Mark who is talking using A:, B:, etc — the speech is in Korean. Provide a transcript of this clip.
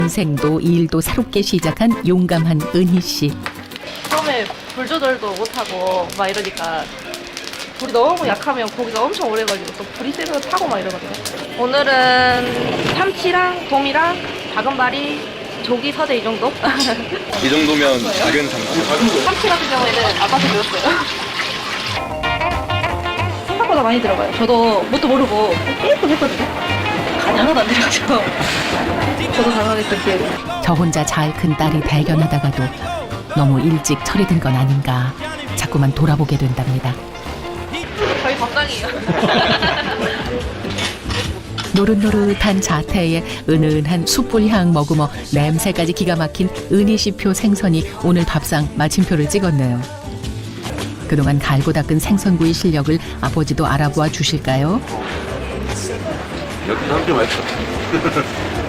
A: 인생도 일도 새롭게 시작한 용감한 은희 씨.
B: 처음에 불 조절도 못하고 막 이러니까 불이 너무 약하면 고기가 엄청 오래 걸리고 또 불이 세면 타고 막 이러거든요. 오늘은 참치랑 돔이랑 다금바리, 조기, 서대 이 정도?
C: 이 정도면 작은 참치.
B: 참치 같은 경우에는 아빠한테 배웠어요. 생각보다 많이 들어가요. 저도 뭣도 모르고 계속 했거든요. 간이 하나도 안 들어가죠. 저도 당황했던 기억이.
A: 저 혼자 잘 큰 딸이 대견하다가도 너무 일찍 철이 든 건 아닌가 자꾸만 돌아보게 된답니다.
B: 저희 밥상이에요.
A: 노릇노릇한 자태에 은은한 숯불향 머금어 냄새까지 기가 막힌 은희씨표 생선이 오늘 밥상 마침표를 찍었네요. 그동안 갈고 닦은 생선구이 실력을 아버지도 알아보아 주실까요?
C: 역시 함께 맛있어.